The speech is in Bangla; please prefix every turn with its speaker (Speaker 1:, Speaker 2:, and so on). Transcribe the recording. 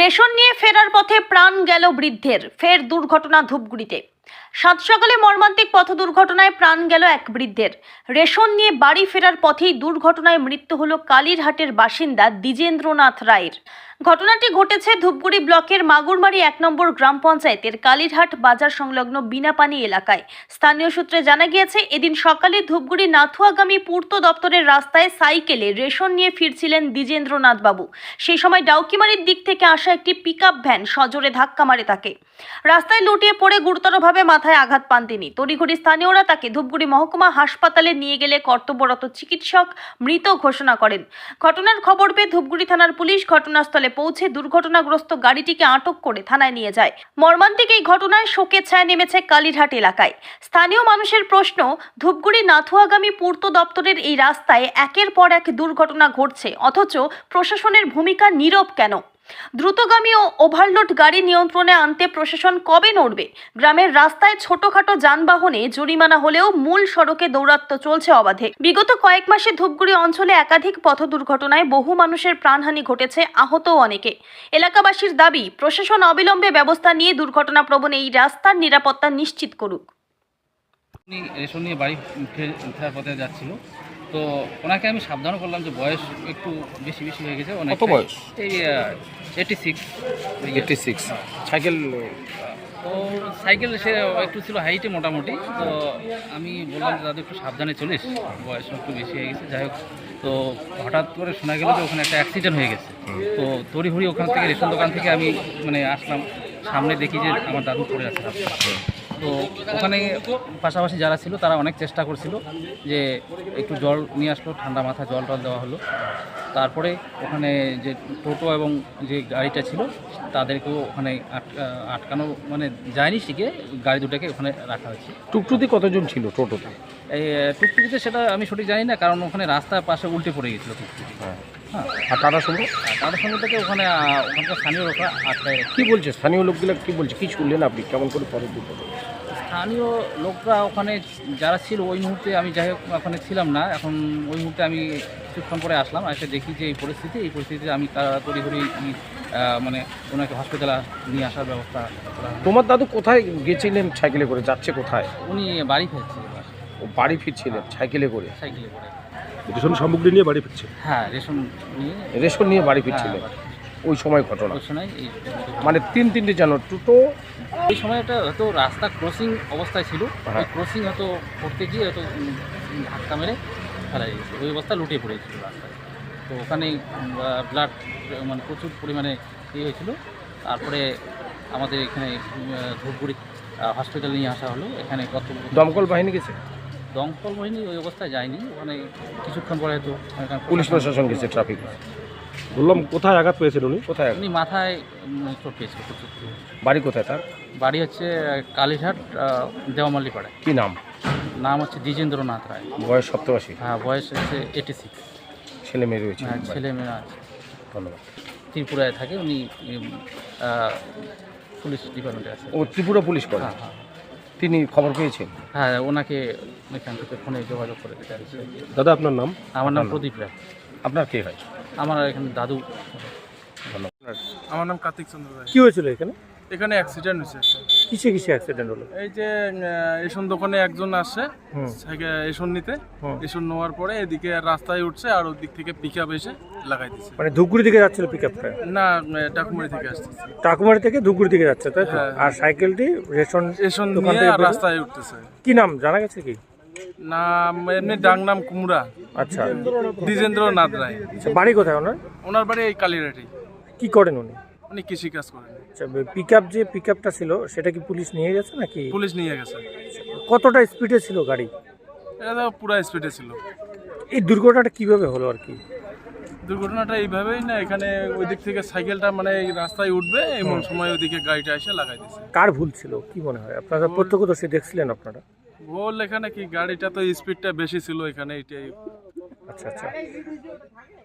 Speaker 1: রেশন নিয়ে ফেরার পথে প্রাণ গেল বৃদ্ধের, ফের দুর্ঘটনা ধূপগুড়িতে। সাত সকালে মর্মান্তিক পথ দুর্ঘটনায় প্রাণ গেল এক বৃদ্ধের। রেশন নিয়ে বাড়ি ফেরার পথেই দুর্ঘটনায় মৃত্যু হলো কালীরহাটের বাসিন্দা দ্বিজেন্দ্রনাথ রায়ের। ঘটনাটি ঘটেছে ধূপগুড়ি ব্লকের মাগুরমারি 1 নম্বর গ্রাম পঞ্চায়েতের কালীরহাট বাজার সংলগ্ন বিনাপানি এলাকায়। স্থানীয় সূত্রে জানা গিয়েছে, এদিন সকালে ধূপগুড়ি নাথুয়াগামী পূর্ত দপ্তরের রাস্তায় সাইকেলে রেশন নিয়ে ফিরছিলেন দ্বিজেন্দ্রনাথ বাবু। সেই সময় ডাউকিমারির দিক থেকে আসা একটি পিকআপ ভ্যান সজোরে ধাক্কা মারে তাকে। রাস্তায় লুটিয়ে পড়ে গুরুতরভাবে মাথায় আঘাত পান তিনি। তড়িঘড়ি স্থানীয়রা তাকে ধূপগুড়ি মহকুমা হাসপাতালে নিয়ে গেলে কর্তব্যরত চিকিৎসক মৃত ঘোষণা করেন। ঘটনার খবর পেয়ে ধূপগুড়ি থানার পুলিশ ঘটনাস্থলে পৌঁছে দুর্ঘটনাগ্রস্ত গাড়িটিকে আটক করে থানায় নিয়ে যায়। মর্মান্তিক এই ঘটনায় শোকের ছায়া নেমেছে কালীরহাট এলাকায়। স্থানীয় মানুষের প্রশ্ন, ধূপগুড়ি নাথুয়াগামী পূর্ত দপ্তরের এই রাস্তায় একের পর এক দুর্ঘটনা ঘটছে, অথচ প্রশাসনের ভূমিকা নীরব কেন? দ্রুতগামী ও ওভারলোড গাড়ি নিয়ন্ত্রণে আনতে প্রশাসন কবে নড়বে? গ্রামের রাস্তায় ছোটখাটো যানবাহনে জরিমানা হলেও মূল সড়কে দৌরাত্ম্য চলছে অবাধে। বিগত কয়েক মাসে ধূপগুড়ি অঞ্চলে একাধিক পথ দুর্ঘটনায় বহু মানুষের প্রাণহানি ঘটেছে, আহতও অনেকে। এলাকাবাসীর দাবি, প্রশাসন অবিলম্বে ব্যবস্থা নিয়ে দুর্ঘটনা প্রবণ এই রাস্তার নিরাপত্তা নিশ্চিত করুক।
Speaker 2: রেশন নিয়ে বাড়ি ফেরার পথে যাচ্ছিল, তো ওনাকে আমি সাবধান করলাম যে বয়স একটু বেশি হয়ে গেছে।
Speaker 3: কত বয়স?
Speaker 2: এই 86।
Speaker 3: সাইকেল?
Speaker 2: তো সাইকেল সে একটু ছিল হাইটে মোটামুটি। তো আমি বললাম যে দাদু একটু সাবধানে চলিস, বয়স একটু বেশি হয়ে গেছে। যাই হোক, তো হঠাৎ করে শোনা গেল যে ওখানে একটা অ্যাক্সিডেন্ট হয়ে গেছে। তো তড়িঘড়ি ওখান থেকে রেশন দোকান থেকে আমি আসলাম, সামনে দেখি যে আমার দাদু পড়ে আছে। তো ওখানে পাশাপাশি যারা ছিল তারা অনেক চেষ্টা করছিল যে একটু জল নিয়ে আসলো, ঠান্ডা মাথা জল দেওয়া হলো। তারপরে ওখানে যে টোটো এবং যে গাড়িটা ছিল তাদেরকেও ওখানে আটকানো যায়নি, শিখে গাড়ি দুটাকে ওখানে রাখা হয়েছে।
Speaker 3: টুকটুকি কতজন ছিল টোটোতে?
Speaker 2: এই টুকটুকিতে সেটা আমি সঠিক জানি না, কারণ ওখানে রাস্তার পাশে উল্টে পড়ে গেছিলো টুকটুকি। হ্যাঁ,
Speaker 3: আর টাটা সুমো?
Speaker 2: টাটা সুমো থেকে ওখানকার স্থানীয় লোকরা আটকায়।
Speaker 3: কী বলছে স্থানীয় লোকগুলো, কী বলছে, কী শুনলেন আপনি, কেমন করে পরে দুর্ঘটনা?
Speaker 2: স্থানীয় লোকরা ওখানে যারা ছিল ওই মুহূর্তে, আমি যাই হোক ওখানে ছিলাম না, এখন ওই মুহূর্তে আমি কিছুক্ষণ পরে আসলাম, এসে দেখি যে এই পরিস্থিতিতে আমি তড়িঘড়ি ওনাকে হসপিটালে নিয়ে আসার ব্যবস্থা করা।
Speaker 3: তোমার দাদু কোথায় গেছিলেন সাইকেলে করে, যাচ্ছে কোথায়?
Speaker 2: উনি বাড়ি ফিরছে।
Speaker 3: ও বাড়ি ফিরছিলেন সাইকেলে করে?
Speaker 2: সাইকেলে করে
Speaker 4: রেশন সামগ্রী নিয়ে বাড়ি ফিরছে।
Speaker 2: হ্যাঁ,
Speaker 3: রেশন নিয়ে বাড়ি ফিরছিলেন। ওই সময় ঘটনা, তিনটে জানো টোটো।
Speaker 2: ওই সময়টা হয়তো রাস্তা ক্রসিং অবস্থায় ছিল, ওই ক্রসিং হয়তো করতে গিয়ে হয়তো ধাক্কা মেরে ফেলা গেছে, ওই অবস্থা লুটিয়ে পড়েছিল রাস্তায়। তো ওখানে ব্লাড প্রচুর পরিমাণে হয়েছিল। তারপরে আমাদের এখানে ধূপগুড়ি হসপিটালে নিয়ে আসা হলো। এখানে
Speaker 3: দমকল বাহিনী গেছে?
Speaker 2: দমকল বাহিনী ওই অবস্থায় যায়নি, ওখানে কিছুক্ষণ পরে হয়তো
Speaker 3: পুলিশ প্রশাসন গেছে, ট্রাফিক।
Speaker 4: বললাম কোথায় আঘাত পেয়েছেন উনি?
Speaker 3: কোথায়?
Speaker 2: উনি মাথায় চোট পেয়েছিল প্রচুর।
Speaker 3: বাড়ি কোথায় তার?
Speaker 2: বাড়ি হচ্ছে কালীরহাট দেওয়ামাল্লি পাড়ায়।
Speaker 3: কী নাম?
Speaker 2: নাম হচ্ছে দ্বিজেন্দ্রনাথ রায়।
Speaker 3: বয়স 87?
Speaker 2: হ্যাঁ, বয়স হচ্ছে 86।
Speaker 3: ছেলে মেয়ে রয়েছে?
Speaker 2: হ্যাঁ, ছেলে মেয়ে আছে।
Speaker 3: ধন্যবাদ।
Speaker 2: ত্রিপুরায় থাকে উনি, পুলিশ ডিপার্টমেন্টে আছে।
Speaker 3: ও ত্রিপুরা পুলিশ করে?
Speaker 2: হ্যাঁ হ্যাঁ।
Speaker 3: তিনি খবর পেয়েছেন?
Speaker 2: হ্যাঁ, ওনাকে এখান থেকে ফোনে যোগাযোগ করে দিতে আছে।
Speaker 4: দাদা আপনার নাম?
Speaker 2: আমার নাম প্রদীপ রায়।
Speaker 3: আপনার কে হয়?
Speaker 2: আমার এখানে দাদু।
Speaker 3: ধন্যবাদ।
Speaker 5: আমার নাম কার্তিক চন্দ্র রায়।
Speaker 4: কি হয়েছিল এখানে?
Speaker 5: এখানে অ্যাক্সিডেন্ট হয়েছে একটা।
Speaker 4: কিসে অ্যাক্সিডেন্ট হলো?
Speaker 5: এই যে রেশন দোকানে একজন আসে রেশন নিতে, রেশন নেওয়ার পরে এদিকে রাস্তায় উঠছে আর ওর দিক থেকে পিক আপ এসে লাগাই দিচ্ছে।
Speaker 4: ধূপগুড়ি থেকে যাচ্ছিল পিকআপটা?
Speaker 5: না, টাকুমারি থেকে আসতেছে।
Speaker 4: টাকুমারি থেকে ধূপগুড়ি থেকে যাচ্ছে, তাই তো? আর সাইকেলটি রেশন দোকান থেকে
Speaker 5: রাস্তায় উঠতেছে।
Speaker 4: কি নাম জানা গেছে কি?
Speaker 5: নাম এমনি ডাং নাম কুমড়া।
Speaker 4: আচ্ছা,
Speaker 5: দ্বিজেন্দ্রনাথ রায়।
Speaker 4: বাড়ি কোথায় ওনার?
Speaker 5: ওনার বাড়ি এই কালীরহাটি।
Speaker 4: কি করেন উনি?
Speaker 5: উনি কৃষি কাজ করেন।
Speaker 4: আচ্ছা, পিকআপটা ছিল সেটা কি পুলিশ নিয়ে গেছে নাকি?
Speaker 5: পুলিশ নিয়ে গেছে।
Speaker 4: কতটা স্পিডে ছিল গাড়ি?
Speaker 5: এটা তো পুরো স্পিডে ছিল।
Speaker 4: এই দুর্ঘটনাটা কিভাবে হলো আর কি?
Speaker 5: দুর্ঘটনাটা এইভাবেই না, এখানে ওই দিক থেকে সাইকেলটা এই রাস্তায় উঠবে, এমন সময় ওইদিকে গাড়িটা এসে লাগাই দিচ্ছে।
Speaker 4: কার ভুল ছিল কি মনে হয়? আপনারা প্রত্যক্ষদর্শী দেখছিলেন আপনারা?
Speaker 5: ভুল এখানে কি, গাড়িটা তো স্পিডটা বেশি ছিল এখানে, এটাই।
Speaker 4: আচ্ছা।